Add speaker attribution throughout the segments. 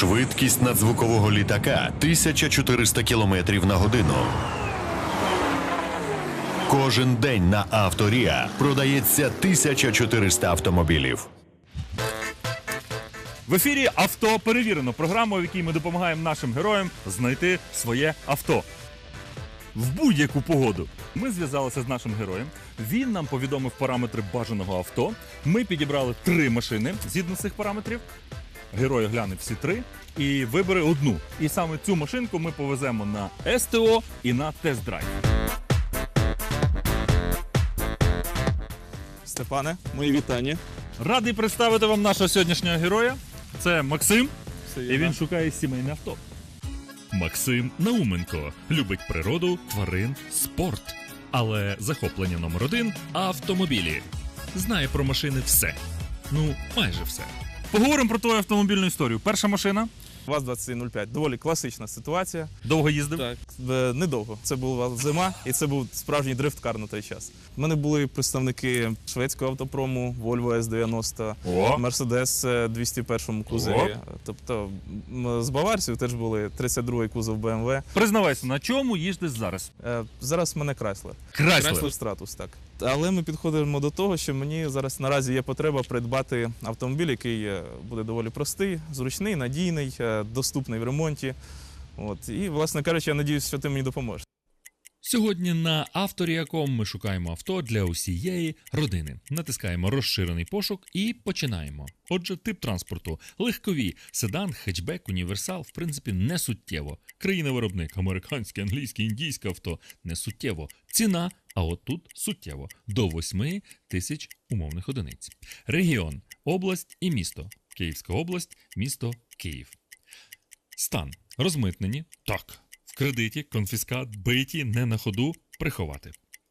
Speaker 1: Швидкість надзвукового літака 1400 км на годину. Кожен день на Авторія продається 1400 автомобілів.
Speaker 2: В ефірі «Авто перевірено» – програма, в якій ми допомагаємо нашим героям знайти своє авто. В будь-яку погоду. Ми зв'язалися з нашим героєм, він нам повідомив параметри бажаного авто, ми підібрали 3 машини згідно цих параметрів, герой огляне всі 3 і вибере одну. І саме цю машинку ми повеземо на СТО і на тест-драйв.
Speaker 3: Степане, мої вітання.
Speaker 2: Радий представити вам нашого сьогоднішнього героя. Це Максим,
Speaker 3: Це
Speaker 2: і він шукає сімейне авто. Максим Науменко любить природу, тварин, спорт. Але захоплення номер 1 – автомобілі. Знає про машини все. Ну, майже все. Поговоримо про твою автомобільну історію. Перша машина.
Speaker 3: ВАЗ-2105. Доволі класична ситуація.
Speaker 2: Довго їздив?
Speaker 3: Так, недовго. Це була зима, і це був справжній дрифткар на той час. У мене були представники шведського автопрому, Volvo S90,
Speaker 2: О!
Speaker 3: Mercedes 201 кузові. Тобто з баварців теж були 32-й кузов BMW.
Speaker 2: Признавайся, на чому їздиш зараз?
Speaker 3: Зараз в мене Chrysler.
Speaker 2: Chrysler.
Speaker 3: Stratus, так. Але ми підходимо до того, що мені зараз наразі є потреба придбати автомобіль, який буде доволі простий, зручний, надійний, доступний в ремонті. І, власне кажучи, я надіюсь, що ти мені допоможеш.
Speaker 4: Сьогодні на Авторія.com ми шукаємо авто для усієї родини. Натискаємо розширений пошук і починаємо. Отже, тип транспорту – легкові, седан, хетчбек, універсал, в принципі, не суттєво. Країна-виробник – американське, англійське, індійське авто – не суттєво. Ціна – а от тут суттєво – до 8 тисяч умовних одиниць. Регіон – область і місто. Київська область, місто Київ. Стан – розмитнені, так. В кредиті, конфіскат, биті, не на ходу, приховати.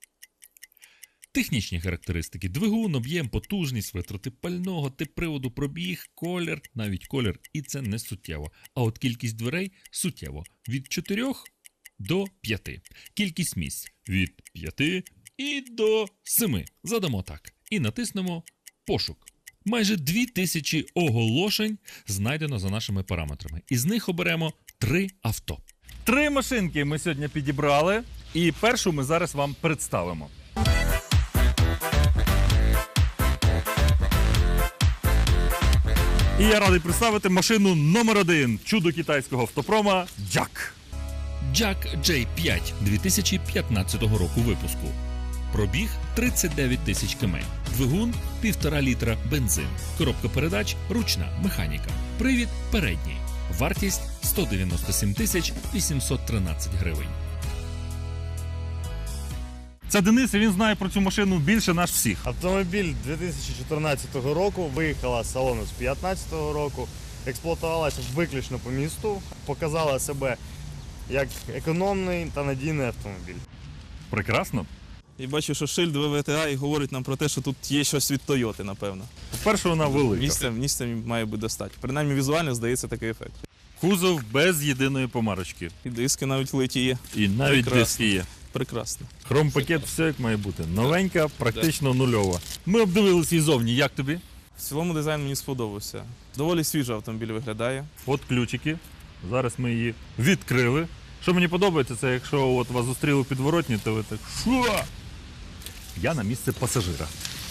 Speaker 4: Технічні характеристики. Двигун, об'єм, потужність, витрати пального, тип приводу, пробіг, колір, навіть колір, і це не суттєво. А от кількість дверей суттєво. Від 4 до 5. Кількість місць від 5 і до 7. Задамо так. І натиснемо пошук. Майже 2000 оголошень знайдено за нашими параметрами. Із них оберемо 3 авто.
Speaker 2: 3 машинки ми сьогодні підібрали, і першу ми зараз вам представимо. І я радий представити машину номер 1 чудо китайського автопрома Jack.
Speaker 4: Jack J5 2015 року випуску. Пробіг 39 тисяч км. Двигун 1,5 літра бензин. Коробка передач ручна, механіка. Привід передній. Вартість 197 тисяч 813 гривень.
Speaker 2: Це Денис, і він знає про цю машину більше нас всіх.
Speaker 5: Автомобіль 2014 року, виїхала з салону з 2015 року, експлуатувалася виключно по місту, показала себе як економний та надійний автомобіль.
Speaker 2: Прекрасно.
Speaker 3: І бачу, що шильд ВВТА і говорить нам про те, що тут є щось від Тойоти, напевно.
Speaker 2: По-перше, вона велика.
Speaker 3: Місця має бути достатньо. Принаймні візуально здається такий ефект.
Speaker 2: Кузов без єдиної помарочки.
Speaker 3: І диски навіть литі є.
Speaker 2: І навіть диски є.
Speaker 3: Прекрасно.
Speaker 2: Хромпакет, все як має бути. Новенька, практично нульова. Ми обдивилися її зовні. Як тобі?
Speaker 3: В цілому дизайн мені сподобався. Доволі свіжий автомобіль виглядає.
Speaker 2: От ключики. Зараз ми її відкрили. Що мені подобається, це якщо от вас зустріли підворотні, то ви так «Шо?». Я на місце пасажира.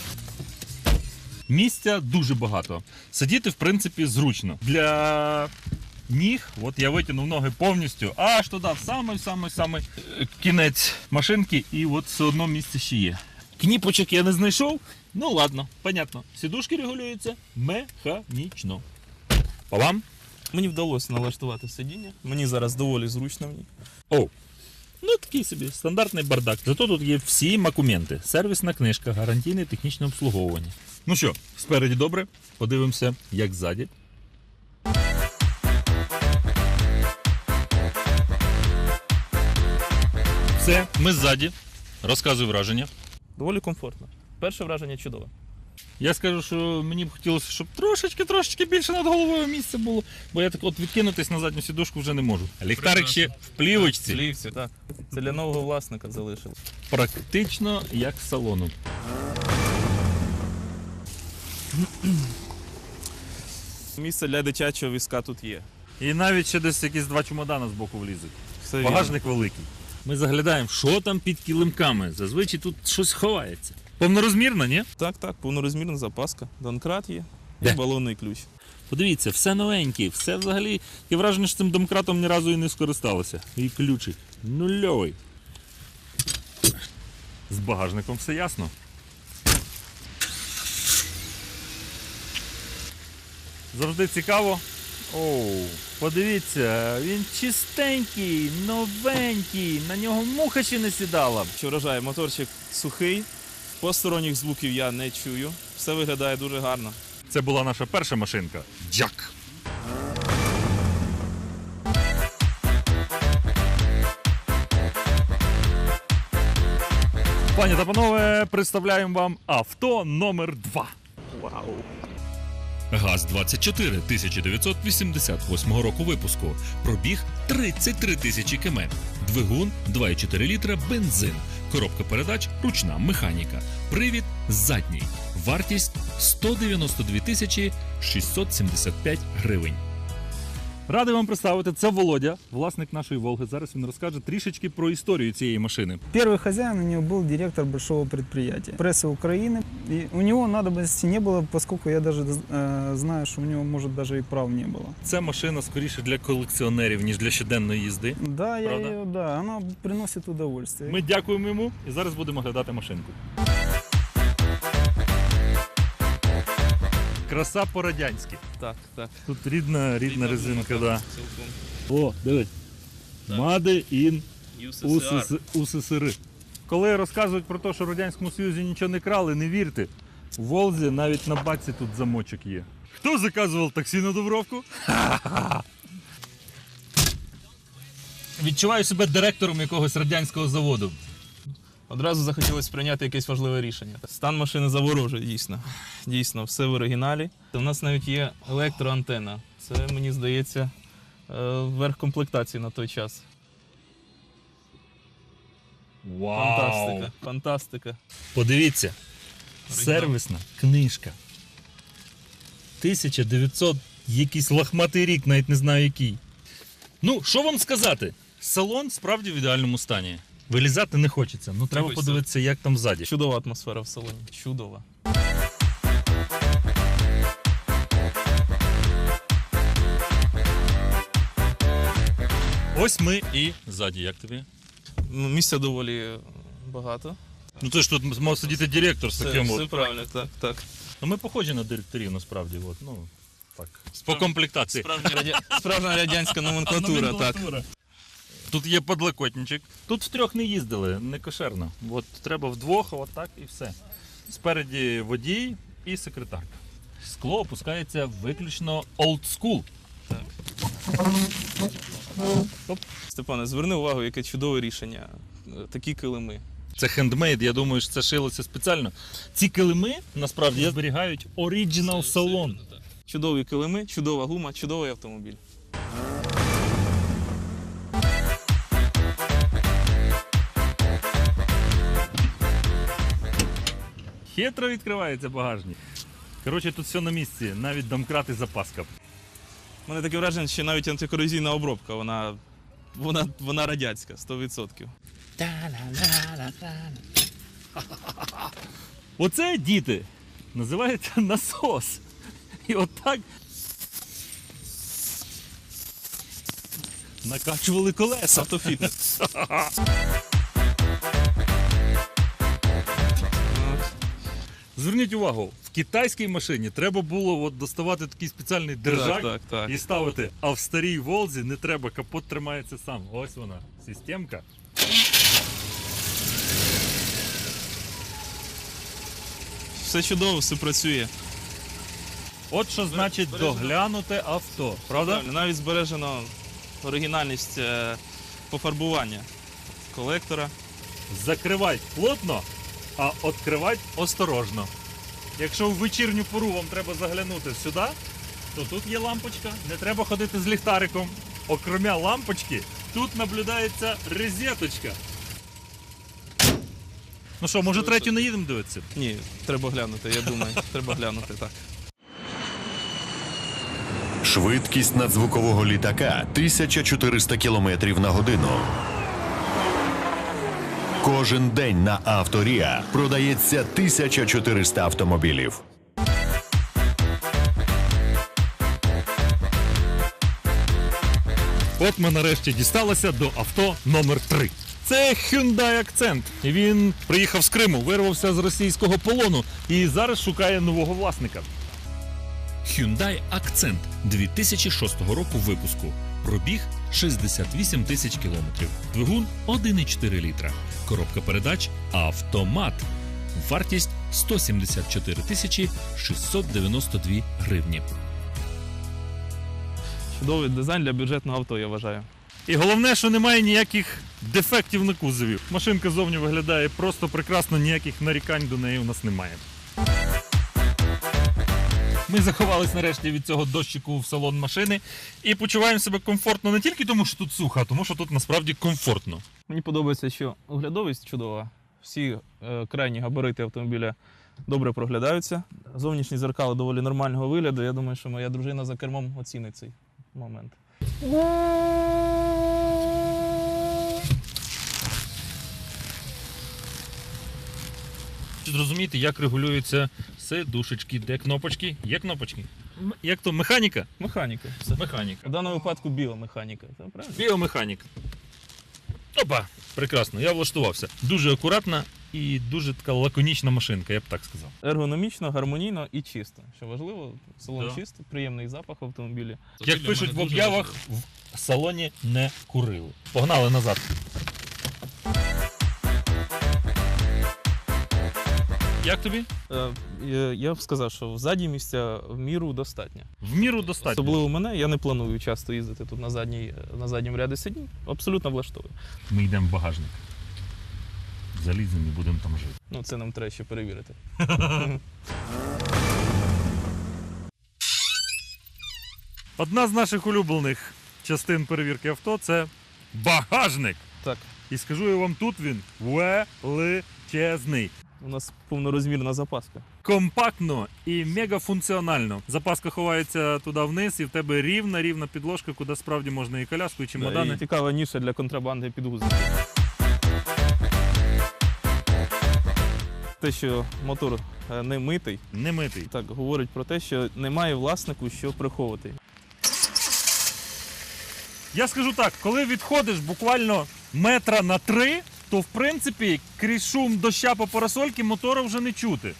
Speaker 2: Місця дуже багато. Сидіти, в принципі, зручно. Для ніг, от я витягнув ноги повністю, аж туди, в самий кінець машинки, і от все одно місце ще є. Кніпочок я не знайшов, ну ладно, понятно. Сідушки регулюються механічно. По вам?
Speaker 3: Мені вдалося налаштувати сидіння. Мені зараз доволі зручно в ній.
Speaker 2: О, ну такий собі стандартний бардак. Зато тут є всі макументи. Сервісна книжка, гарантійне технічне обслуговування. Ну що, спереді добре, подивимося, як ззаді. Все, ми ззаді. Розказуй враження.
Speaker 3: Доволі комфортно. Перше враження чудове.
Speaker 2: Я скажу, що мені б хотілося, щоб трошечки більше над головою місця було, бо я так от відкинутись на задню сідушку вже не можу. Ліхтарик ще в плівочці.
Speaker 3: Плівці, так. Це для нового власника залишилось.
Speaker 2: Практично як з салону.
Speaker 3: Місце для дитячого візка тут є.
Speaker 2: І навіть ще десь якісь 2 чемодана з боку влізуть.
Speaker 3: Все вірно.
Speaker 2: Багажник великий. Ми заглядаємо, що там під килимками. Зазвичай тут щось ховається. Повнорозмірно, ні?
Speaker 3: Так, повнорозмірна запаска. Донкрат є
Speaker 2: Де?
Speaker 3: і балонний ключ.
Speaker 2: Подивіться, все новеньке, все взагалі. Є враження, що цим домкратом ні разу і не скористалося. І ключик нульовий. З багажником все ясно. Завжди цікаво. Оу, подивіться, він чистенький, новенький, на нього муха ще не сідала.
Speaker 3: Що вражає, моторчик сухий, посторонніх звуків я не чую. Все виглядає дуже гарно.
Speaker 2: Це була наша перша машинка. Джак. Пані та панове, представляємо вам авто номер 2.
Speaker 3: Вау!
Speaker 4: ГАЗ-24 1988 року випуску. Пробіг 33 тисячі км. Двигун 2,4 літра бензин. Коробка передач ручна механіка. Привід задній. Вартість 192 тисячі 675 гривень.
Speaker 2: Радий вам представити, це Володя, власник нашої Волги. Зараз він розкаже трішечки про історію цієї машини.
Speaker 6: Первый хозяин у него был директор большого предприятия прессы Украины. И у него надобности не было, поскольку я даже знаю, что у него, может, даже и прав не было.
Speaker 2: Це машина скоріше для колекціонерів, ніж для щоденної їзди.
Speaker 6: Да,
Speaker 2: Правда?
Speaker 6: она приносит удовольствие.
Speaker 2: Ми дякуємо йому і зараз будемо глядати машинку. Краса по-радянськи.
Speaker 3: Так.
Speaker 2: Тут рідна резинка, да.
Speaker 3: Цілком.
Speaker 2: О, дивись. Made in УССР. Коли розказують про те, що в Радянському Союзі нічого не крали, не вірте. У Волзі навіть на баці тут замочок є. Хто заказував таксі на Дубровку? Відчуваю себе директором якогось радянського заводу.
Speaker 3: Одразу захотілося прийняти якесь важливе рішення. Стан машини заворожує, дійсно. Дійсно, все в оригіналі. У нас навіть є електроантена. Це, мені здається, верх комплектації на той час.
Speaker 2: Вау!
Speaker 3: Фантастика.
Speaker 2: Подивіться, сервісна книжка. 1900, якийсь лохматий рік, навіть не знаю який. Ну, що вам сказати? Салон справді в ідеальному стані. Вилізати не хочеться, ну треба
Speaker 3: Хочеться.
Speaker 2: подивитися, як там ззаді.
Speaker 3: Чудова атмосфера в салоні. Чудова.
Speaker 2: Ось ми і ззаді, як тобі?
Speaker 3: Ну, місця доволі багато.
Speaker 2: Ну ти ж тут мав сидіти директор з таким
Speaker 3: Все
Speaker 2: от.
Speaker 3: правильно, так.
Speaker 2: Ну ми похожі на директорів насправді, от, ну так. По комплектації.
Speaker 3: Справжня радянська номенклатура, так.
Speaker 2: Тут є подлокотничок. Тут втрьох не їздили, не кошерно. От треба вдвох, отак і все. Спереді водій і секретарка. Скло опускається виключно old school.
Speaker 3: Степане, зверни увагу, яке чудове рішення. Такі килими.
Speaker 2: Це хендмейд, я думаю, що це шилося спеціально. Ці килими, насправді, зберігають оригінал салон.
Speaker 3: Чудові килими, чудова гума, чудовий автомобіль.
Speaker 2: Хитро відкривається багажник. Коротше, тут все на місці, навіть домкрат і запаска.
Speaker 3: У мене таке враження, що навіть антикорозійна обробка, вона радянська, 100%.
Speaker 2: Оце, діти, називається насос. І отак накачували колеса.
Speaker 3: Автофітнес.
Speaker 2: Зверніть увагу, в китайській машині треба було от доставати такий спеціальний держак
Speaker 3: Так.
Speaker 2: і ставити, а в старій Волзі не треба, капот тримається сам. Ось вона, системка.
Speaker 3: Все чудово, все працює.
Speaker 2: От що значить доглянуте авто, правда?
Speaker 3: Навіть збережено оригінальність пофарбування колектора.
Speaker 2: Закривать плотно, а відкривати осторожно. Якщо в вечірню пору вам треба заглянути сюди, то тут є лампочка, не треба ходити з ліхтариком. Окромя лампочки, тут наблюдається розеточка. Ну що, може третю не їдемо дивитися?
Speaker 3: Ні, треба глянути, я думаю, треба глянути, так.
Speaker 1: Швидкість надзвукового літака 1400 км на годину. Кожен день на Авторія продається 1400 автомобілів.
Speaker 2: От ми нарешті дісталися до авто номер 3. Це Hyundai Accent. Він приїхав з Криму, вирвався з російського полону і зараз шукає нового власника.
Speaker 4: Hyundai Accent 2006 року випуску. Пробіг 68 тисяч кілометрів. Двигун 1,4 літра. Коробка передач автомат. Вартість 174 тисячі 692 гривні.
Speaker 3: Чудовий дизайн для бюджетного авто, я вважаю.
Speaker 2: І головне, що немає ніяких дефектів на кузові. Машинка зовні виглядає просто прекрасно, ніяких нарікань до неї у нас немає. Ми заховались нарешті від цього дощику в салон машини і почуваємо себе комфортно не тільки тому, що тут сухо, а тому, що тут насправді комфортно.
Speaker 3: Мені подобається, що оглядовість чудова. Всі крайні габарити автомобіля добре проглядаються. Зовнішні зеркала доволі нормального вигляду. Я думаю, що моя дружина за кермом оцінить цей момент.
Speaker 2: Зрозуміти, як регулюються сидушечки, де кнопочки. Є кнопочки. Як то, механіка?
Speaker 3: Механіка. Все.
Speaker 2: Механіка.
Speaker 3: В даному випадку біомеханіка. Це правильно?
Speaker 2: Біомеханіка. Опа! Прекрасно, я влаштувався. Дуже акуратна і дуже така лаконічна машинка, я б так сказав.
Speaker 3: Ергономічно, гармонійно і чисто. Що важливо, салон
Speaker 2: Да.
Speaker 3: чистий, приємний запах в автомобілі.
Speaker 2: Як пишуть в об'явах, в салоні не курили. Погнали назад. Як тобі?
Speaker 3: Я б сказав, що ззаді місця в міру достатньо.
Speaker 2: В міру достатньо.
Speaker 3: Особливо мене, я не планую часто їздити тут на задньому ряді сидінь. Абсолютно влаштовує.
Speaker 2: Ми йдемо в багажник. Заліземо і будемо там жити.
Speaker 3: Ну, це нам треба ще перевірити.
Speaker 2: Одна з наших улюблених частин перевірки авто – це багажник.
Speaker 3: Так,
Speaker 2: І скажу я вам, тут він величезний.
Speaker 3: у нас повнорозмірна запаска.
Speaker 2: Компактно і мегафункціонально. Запаска ховається туди вниз, і в тебе рівна підложка, куди справді можна і коляску, і чемодани.
Speaker 3: І цікава ніша для контрабанди підгузників. Те, що мотор не митий,
Speaker 2: Не митий.
Speaker 3: так говорить про те, що немає власнику, що приховувати.
Speaker 2: Я скажу так, коли відходиш буквально метра на 3, то в принципі крізь шум доща по парасольки мотора вже не чути.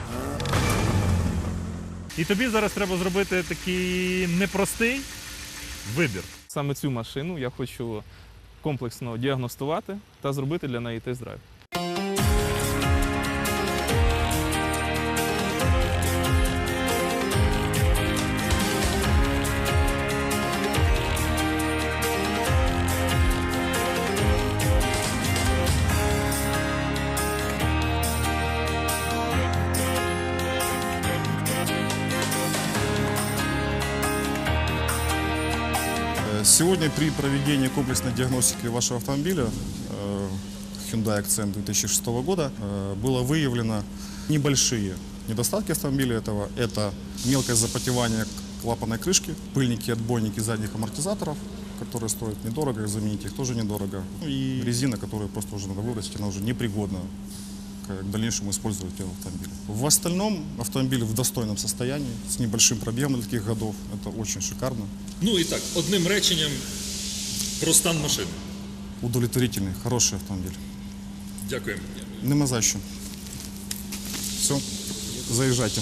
Speaker 2: І тобі зараз треба зробити такий непростий вибір.
Speaker 3: Саме цю машину я хочу комплексно діагностувати та зробити для неї тест-драйв.
Speaker 7: Сегодня при проведении комплексной диагностики вашего автомобиля Hyundai Accent 2006 года было выявлено небольшие недостатки автомобиля этого. Это мелкое запотевание клапанной крышки, пыльники, отбойники задних амортизаторов, которые стоят недорого, заменить их тоже недорого. Ну и резина, которую просто уже надо выбросить, она уже непригодна к дальнейшему использованию автомобиля. В остальном автомобиль в достойном состоянии, с небольшим пробегом для таких годов. Это очень шикарно.
Speaker 2: Ну і так, одним реченням про стан машини.
Speaker 7: Удовлетворительный, хороший автомобиль.
Speaker 2: Дякуємо.
Speaker 7: Нема за що. Все, заїжджайте.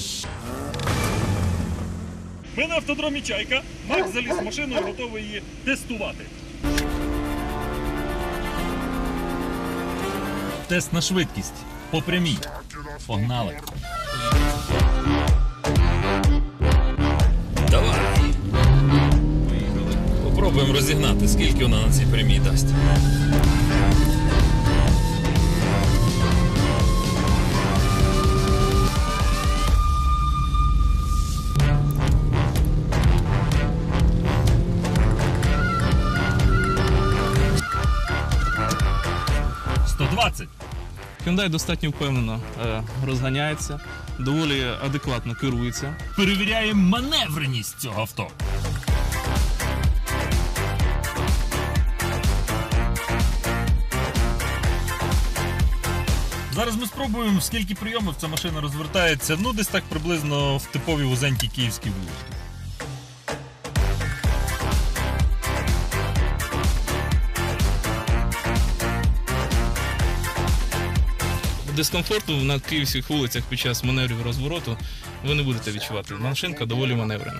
Speaker 2: Ми на автодромі «Чайка». Макс заліз в машину і готовий її тестувати. Тест на швидкість. По прямій. Погнали. Давай. Поїхали. Попробуємо розігнати, скільки вона на цій прямій дасть.
Speaker 3: Hyundai достатньо впевнено розганяється, доволі адекватно керується.
Speaker 2: Перевіряємо маневреність цього авто. Зараз ми спробуємо, скільки прийомів ця машина розвертається, ну десь так приблизно в типовій вузенькій київській вуличці.
Speaker 3: Дискомфорту на київських вулицях під час маневрів розвороту ви не будете відчувати. Машинка доволі маневрена.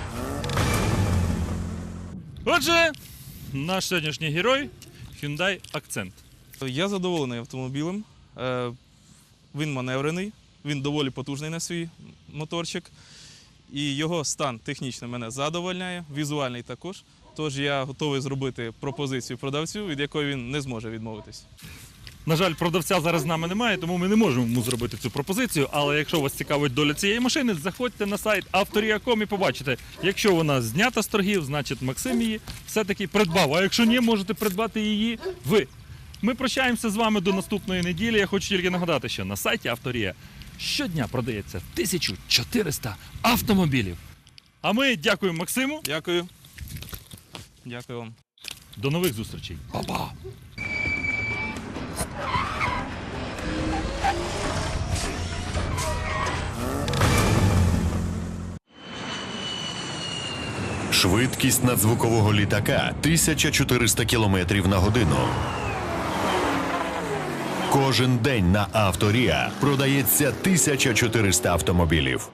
Speaker 2: Отже, наш сьогоднішній герой – Hyundai Accent.
Speaker 3: Я задоволений автомобілем. Він маневрений, він доволі потужний на свій моторчик. І його стан технічно мене задовольняє, візуальний також. Тож я готовий зробити пропозицію продавцю, від якої він не зможе відмовитись.
Speaker 2: На жаль, продавця зараз з нами немає, тому ми не можемо йому зробити цю пропозицію. Але якщо вас цікавить доля цієї машини, заходьте на сайт Авторія.com і побачите, якщо вона знята з торгів, значить Максим її все-таки придбав. А якщо ні, можете придбати її ви. Ми прощаємося з вами до наступної неділі. Я хочу тільки нагадати, що на сайті Авторія щодня продається 1400 автомобілів. А ми дякуємо Максиму.
Speaker 3: Дякую. Дякую вам.
Speaker 2: До нових зустрічей. Па-па!
Speaker 1: Швидкість надзвукового літака 1400 км на годину. Кожен день на Авторія продається 1400 автомобілів.